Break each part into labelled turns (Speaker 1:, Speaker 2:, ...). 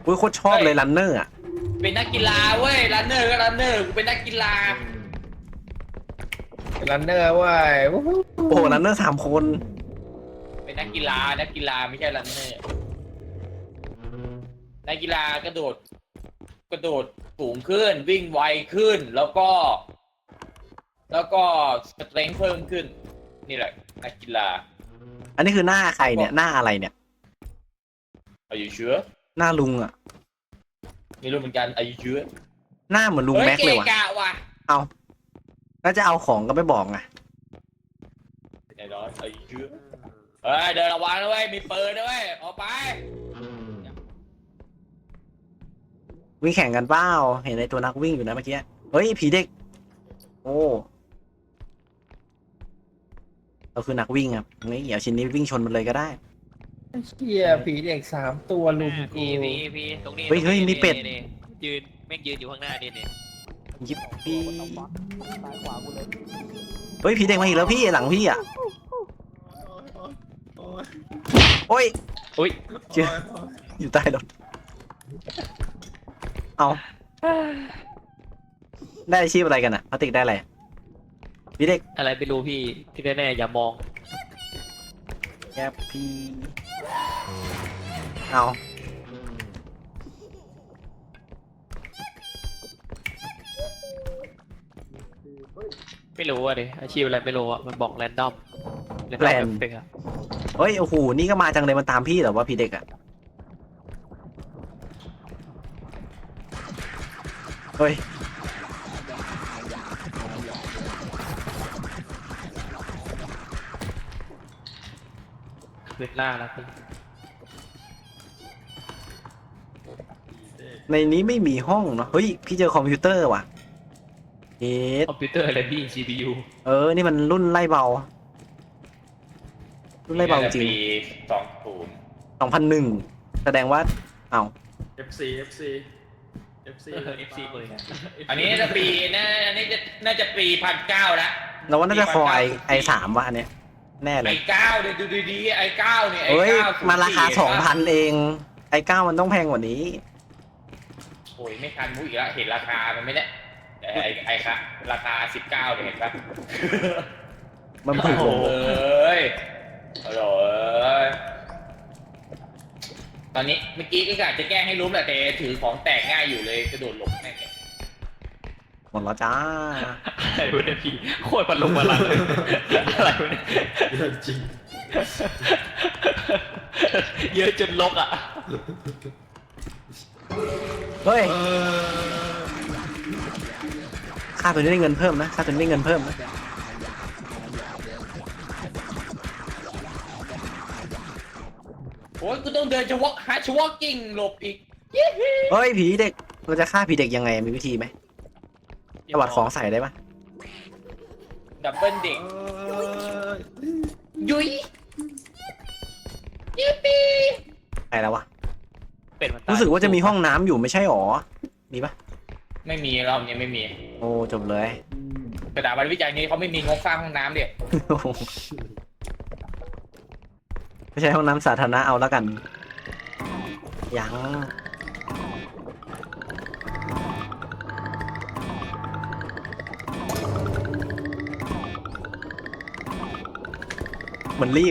Speaker 1: อุ้ยโคตรชอบเลยรันเนอร์อ่ะ
Speaker 2: เป็นนักกีฬาเว้ยรันเนอร์ก็รันเนอร์กูเป็นนักกีฬา
Speaker 3: รันเนอร์เว้ย
Speaker 1: โอ้โหรันเนอร์3 คน
Speaker 2: เป็นนักกีฬาไม่ใช่รันเนอร์นักกีฬากระโดดสูงขึ้นวิ่งไวขึ้นแล้วก็สเตรนท์เพิ่มขึ้นนี่แหละนักกีฬา
Speaker 1: อันนี้คือหน้าใครเนี่ยหน้าอะไรเนี่ย
Speaker 2: Are you sure
Speaker 1: หน้าลุงอ่ะ
Speaker 2: ไม่รู้เหมือนกัน Are you sure
Speaker 1: หน้าเหมือนลุงแม็กเลยว่ะ
Speaker 2: กะว่ะ
Speaker 1: เอาแล้วจะเอาของก็ไม่บอกไง
Speaker 2: แน่นอน Are you sure เฮ้ยเดินระวังนะเว้ยมีปืนนะเว้ยออกไป
Speaker 1: วิ่งแข่งกันเปล่าเห็นไอ้ตัวนักวิ่งอยู่นะเมื่อกี้เฮ้ยผีเด็กโอ้เราคือนักวิ่งครับงี้เดี๋ยวชิ้นนี้วิ่งชนมันเลยก็ได้
Speaker 3: เชี่ยผีเด็ก3 ตัวลุมกู
Speaker 4: พี่ตรงนี้
Speaker 1: เฮ้ยมีเป็ด
Speaker 4: นี่ยืนแม่งยืนอยู่ข้างหน้านี่
Speaker 1: ยิบพี่เฮ้ยผีเด็กมาอีกแล้วพี่หลังพี่อ่ะโอ้ย
Speaker 4: อุ้ย
Speaker 1: เจออยู่ใต้รถเอาได้อาชีพอะไรกันอ่ะพลาสติกได้อะไรพี่เด็ก
Speaker 4: อะไรไม่รู้พี่ที่แน่ๆอย่ามอง
Speaker 1: แกพี่เอา
Speaker 4: ไม่รู้อ่ะดิอาชีพอะไรไม่รู้อ่ะมันบอกแรนดอมเป็นอะ
Speaker 1: เฮ้ยโอ้โหนี่ก็มาจังเลยมันตามพี่เหรอว่าพี่เด็กอ่ะเฮ้ย
Speaker 4: คืนล่าแล้วพี่
Speaker 1: ในนี้ไม่มีห้องเนาะเฮ้ยพี่เจอคอมพิวเตอร์ว่ะเอ๊ะ
Speaker 4: คอมพิวเตอร์อะไรพี่ CPU
Speaker 1: นี่มันรุ่นไล่เบารุ่นไล่เบาจริง
Speaker 2: ปี
Speaker 1: 2001แสดงว่าเอ้า
Speaker 5: FC FC FC
Speaker 4: FC เลย
Speaker 2: อันนี้จะปีน่าจะปี1900แล้ว
Speaker 1: เราว่าน่าจะคอไอ3ว่ะอันเนี้ยแน่เล
Speaker 2: ไอ้
Speaker 1: ย
Speaker 2: 9เนี่ยดูดีๆไอ้9เนี่ยไอ้
Speaker 1: เฮ้ย
Speaker 2: 9
Speaker 1: มันราคา 2,000 เองไอ9มันต้องแพงกว่านี้
Speaker 2: โอ้ยไม่ทันมุ้ยอีกแล้วเห็นราคามันไม่ได้แต่ไอ้ค่ะราคา19เนี่ยเห็นปะ
Speaker 1: มันถูก
Speaker 2: โอ้
Speaker 1: ลง
Speaker 2: ยโอ้ยตอนนี้เมื่อกี้ก็กะจะแกล้งให้รู้แหละแต่ถือของแตกง่ายอยู่เลยกระโดดหลบแม่งเนี่ย
Speaker 1: หมดแล้วจ้า
Speaker 4: อะไรวะเนี่ยพี่โคตรพันลงมาลังเลยอะไรวะเนี่ย
Speaker 5: เยอะจริง
Speaker 4: เยอะจนลกอ่ะ
Speaker 1: เฮ้ย
Speaker 5: เออ
Speaker 1: ค่าตัวนี้ได้เงินเพิ่มนะค่าตัวนี้ได้เงินเพิ่มนะ
Speaker 2: โอ้ยกูต้องเดินชวอกหาชวอกกิ้งหลบอีก
Speaker 1: เฮ้ยผีเด็กเราจะฆ่าผีเด็กยังไงมีวิธีไหมตวัดของใส่ได้ปะ
Speaker 2: ดับเบิลเด็ก
Speaker 5: เออ
Speaker 2: ยุยยิปปี้
Speaker 1: ใส่แล้ววะ
Speaker 4: เป็นมันตาย
Speaker 1: รู้สึกว่าจะมีห้องน้ำอยู่ไม่ใช่หรอมีปะ
Speaker 2: ไม่มีรอบนี้ไม่มี
Speaker 1: โอ้จบเลย
Speaker 2: สถาบันวิจัยนี้เขาไม่มีงบสร้างห้องน้ำเด็ก
Speaker 1: ไม่ใช่ห้องน้ำสาธารณะเอาแล้วกันยังมันรีบ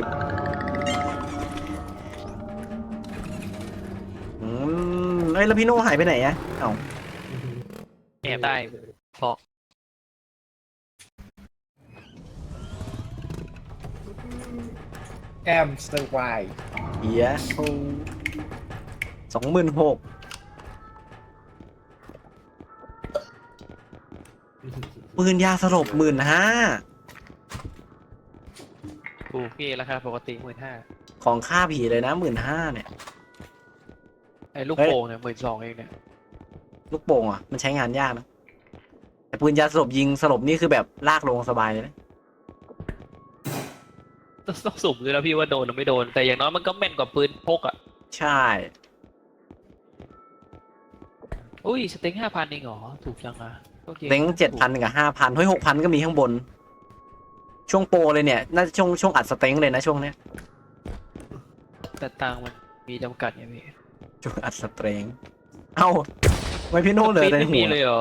Speaker 1: เอ้ยแล้วพี่โน่หายไปไหนอะเอ้า
Speaker 4: แอบได้เพราะ
Speaker 3: แอมสเตอร์ไว
Speaker 1: เฮีย26,000ปืนยาสลบ15,000
Speaker 4: ถูกพี่ราคาปกติ15,000
Speaker 1: ของค่าผีเลยนะ15,000เนี่ย
Speaker 4: ไอ้ลูกโป่งเนี่ย12,000เองเนี่ย
Speaker 1: ลูกโป่งอ่ะมันใช้งานยากนะแต่ปืนยาสลบยิงสลบนี่คือแบบลากลงสบายเลยนะ
Speaker 4: ต้องสุ่มด้วยแล้วพี่ว่าโดนหรือไม่โดนแต่อย่างน้อยมันก็แม่นกว่าปืนพกอ่ะ
Speaker 1: ใช่
Speaker 4: อุ้ยสเต็ง5,000เองเหรอถูกจังอ่ะโอค
Speaker 1: เล้ง7,000กับ5,000เฮ้ย6,000ก็มีข้างบน ช่วงโปรเลยเนี่ยน่าจะช่วงอัดสเต็งเลยนะช่วงเนี้ย
Speaker 4: แต่ตังค์มันมีจำกัดไงพี่
Speaker 1: จุดอัดสเตรงเอ้าไม่พี่โน่เหลยใน
Speaker 4: ไม่
Speaker 1: หั
Speaker 4: มี
Speaker 1: ว
Speaker 4: เลยเหรอ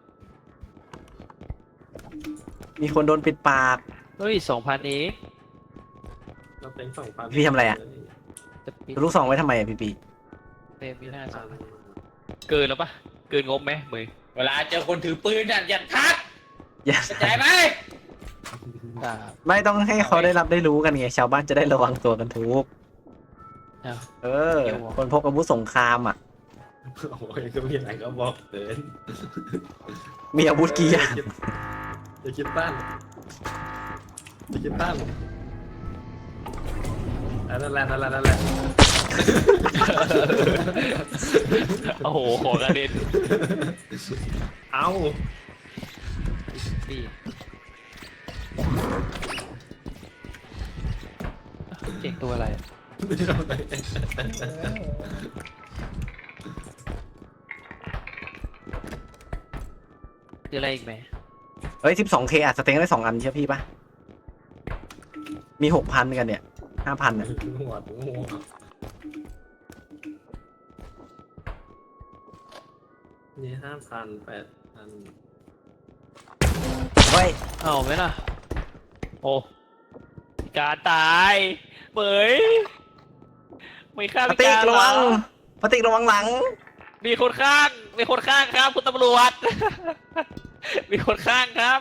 Speaker 1: มีคนโดนปิดปาก
Speaker 4: เฮ้ย2,000เอง
Speaker 5: เราเป็น2,000
Speaker 1: พี่ทำอะไรอะ
Speaker 4: จะปิด
Speaker 1: ลูกซองไว้ทำไมอะพี่ปี
Speaker 4: เต็มมีหน้าสองเกินแล้วปะเกินงบไหมมือ
Speaker 2: เวลาเจอคนถือปืนน่ะอย่าทัก
Speaker 1: อย่า
Speaker 2: เข้าใจไหม
Speaker 4: อ่า
Speaker 1: ไม่ต้องให้เขาได้รับได้รู้กันไงชาวบ้านจะได้ระวังตัวกันทุก
Speaker 4: อ้าว
Speaker 1: เออ คนพกอาวุธสงครามอ่ะ
Speaker 5: โอ้ยก็มีอะไรก็บอกเดิน
Speaker 1: มีอาวุธกี่อย่าง
Speaker 5: จะคิดตั้นจะคิดตั้นนั่นแหละ
Speaker 4: โอ้โหของกระเด็น
Speaker 5: เอา
Speaker 4: นี่เก่งตัวอะไรคืออะไรอีกไหม
Speaker 1: เฮ้ย 12K อัดสเต็งได้2 อันใช่พี่ปะมี 6,000 กันเนี่ย 5,000เนี่ย
Speaker 5: หัวนี่5,000 8,000
Speaker 1: เฮ้ย
Speaker 4: เอาไหมล่ะโอ้การตายเบยไม่ฆ่า
Speaker 1: ป
Speaker 4: พิ
Speaker 1: ฏิ
Speaker 4: การ
Speaker 1: กระวังปฏิกระวังหลัง
Speaker 4: มีคนข้างครับคุณตำรวจ มีคนข้างครับ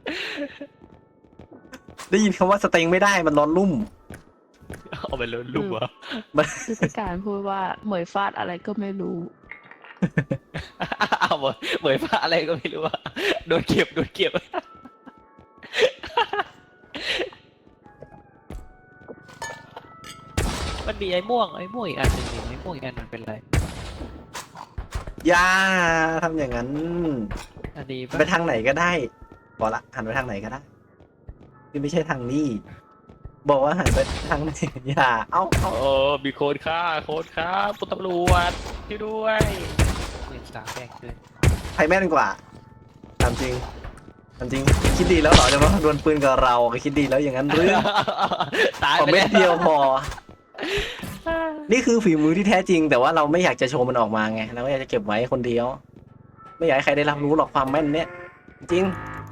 Speaker 1: ได้ยินคำว่าสเต็งไม่ได้มันร้อนรุ่ม
Speaker 4: เอาไปเลยลูกวะ
Speaker 6: คือพิการพูดว่าเหมยฟาดอะไรก็ไม่รู้
Speaker 4: เอาเหมยฟ้าอะไรก็ไม่รู้อะโดนเก็บ มันมีไอ้ม่วงอีกอันหนึ่งนี่ไอ้ม่วงอีกอันมันเป็นอะไร
Speaker 1: อย่าทำอย่างนั้น
Speaker 4: อันนี้
Speaker 1: ไปทางไหนก็ได้บอกละหันไปทางไหนก็ได้ที่ไม่ใช่ทางนี้ บอกว่าหันไปทางไหนอย่า เอ้า
Speaker 4: โอ้มีโค้ดค่าคุณตำรวจช่วยด้วย13แบกเลย
Speaker 1: ใครแม่นกว่าตามจริงตามจริง คิดดีแล้วเหรอจะมาดวลปืนกับเราคิดดีแล้วอย่างนั้นหรือ
Speaker 4: ตาย
Speaker 1: ขอ
Speaker 4: ไป
Speaker 1: เม็ดเดียวพอ
Speaker 4: แล้ว
Speaker 1: นี่คือฝีมือที่แท้จริง แต่ว่าเราไม่อยากจะโชว์มันออกมาไงเราก็อยากจะเก็บไว้คนเดียว ไม่อยากให้ใครได้รับรู้หรอกความแม่นเนี่ยจริง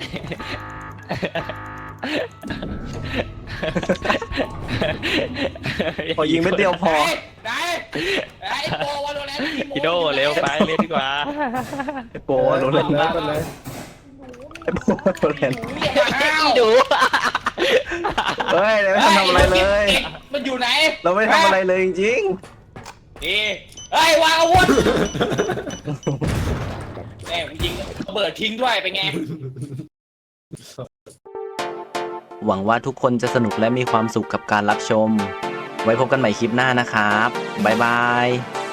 Speaker 1: พอยิงเม็ดเดียวพอ
Speaker 2: ไหนไอ้โปวาโลแรนต์
Speaker 4: พี่โดเร็วไปเล่นดีกว่า
Speaker 1: ไอ้โปโดนเล่น
Speaker 3: ไปเลย
Speaker 1: ไอ้โปโดนเล่น
Speaker 4: พี่ดู
Speaker 1: เฮ้ยเราไม่ทำอะไรเลย
Speaker 2: มันอยู่ไหน
Speaker 1: เราไม่ทำอะไรเลยจริง
Speaker 2: นี่เฮ้ยวางอาวุธแม่งยิงระเบิดทิ้งด้วยเป็นไง
Speaker 1: หวังว่าทุกคนจะสนุกและมีความสุขกับการรับชม ไว้พบกันใหม่คลิปหน้านะครับ บ๊ายบาย